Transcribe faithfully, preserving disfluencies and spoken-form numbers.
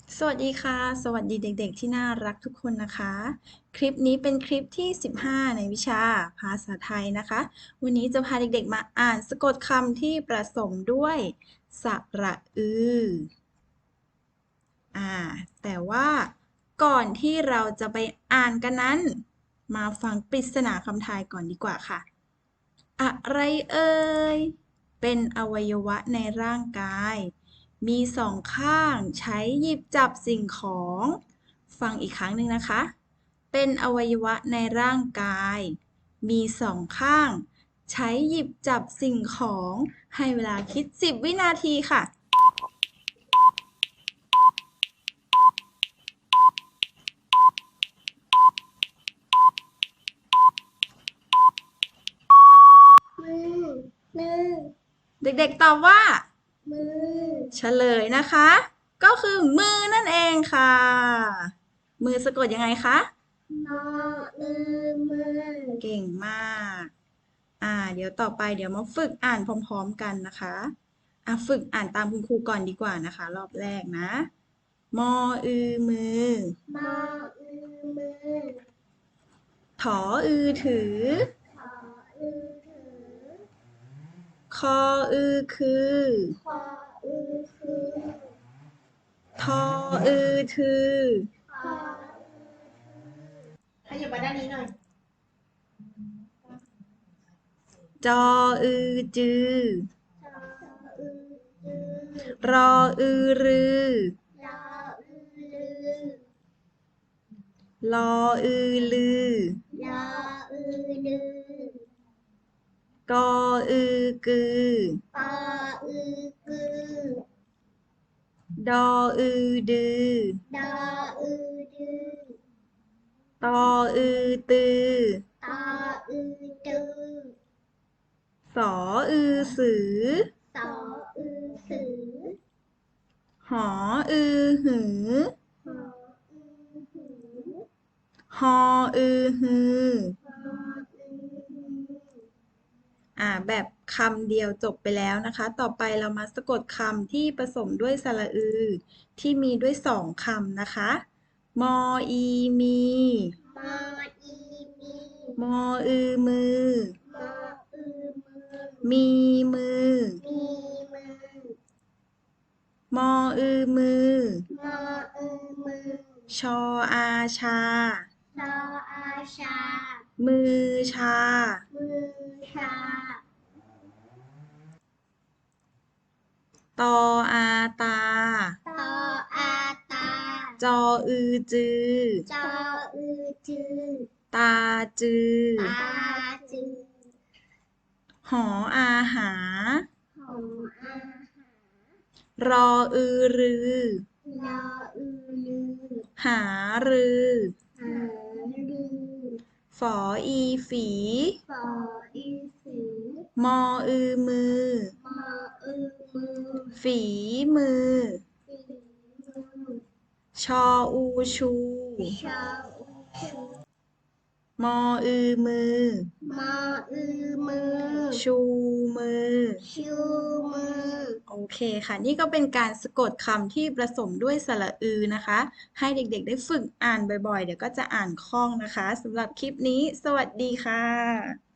สวัสดีค่ะ สวัสดีเด็กๆที่น่ารักทุกคนนะคะ คลิปนี้เป็นคลิปที่ สิบห้า ในวิชาภาษาไทยนะคะ วันนี้จะพาเด็กๆมาอ่านสะกดคำที่ผสมด้วยสระอืออ่าแต่ว่าก่อนที่เราจะไปอ่านกันนั้น มาฟังปริศนาคำทายก่อนดีกว่าค่ะ อะไรเอ่ย เป็นอวัยวะในร่างกาย มีสองข้างใช้หยิบจับสิ่งของ ฟังอีกครั้งหนึ่งนะคะ เป็นอวัยวะในร่างกาย มีสองข้าง ใช้หยิบจับสิ่งของ ให้เวลาคิดสิบวินาทีค่ะมือ มือเด็กๆตอบว่ามือเฉลยนะคะ ก็คือมือนั่นเองค่ะ มือสะกดยังไงคะนออือมือเก่งมาก อ่า เดี๋ยวต่อไปเดี๋ยวมาฝึกอ่านพร้อมๆกันนะคะอ่ะฝึกอ่านตามคุณครูก่อนดีกว่านะคะ รอบแรกนะ มออือมือมออือมือถออือถือขออือถือคออือคือขออือคือทออือถือขอขยับมาด้านนี้หน่อยจออือจือจออือจือรออือรือรออือลือลออือลือรออือลือกออือกือปออือกือดออือดือดออือดือตออือตือตออือตือสออือสือสออือสือหออือหือหออือหือฮออือฮือหออือหืออ่าแบบคำเดียวจบไปแล้วนะคะ ต่อไปเรามาสะกดคำที่ผสมด้วยสระอือ ที่มีด้วยสองคำนะคะ มออีมีมออีมีมออือมือมออือมือมีมือมีมือมออือมือมออือมือชออาชาชออาชามือชามือชาตออาตาตออาตาจออือจือจออือจือตาจือตาจือหออาหาหออาหารรออือรือรออือลือหารือหาลือฝออีฝีฝออีสีมออือมือมออือมือฝีมือฝีมือชออูชูชออูชูมออือมือมออือมือชูมือชูมือโอเคค่ะ นี่ก็เป็นการสะกดคำที่ผสมด้วยสระอือนะคะ ให้เด็กๆได้ฝึกอ่านบ่อยๆ เดี๋ยวก็จะอ่านคล่องนะคะสำหรับคลิปนี้ สวัสดีค่ะ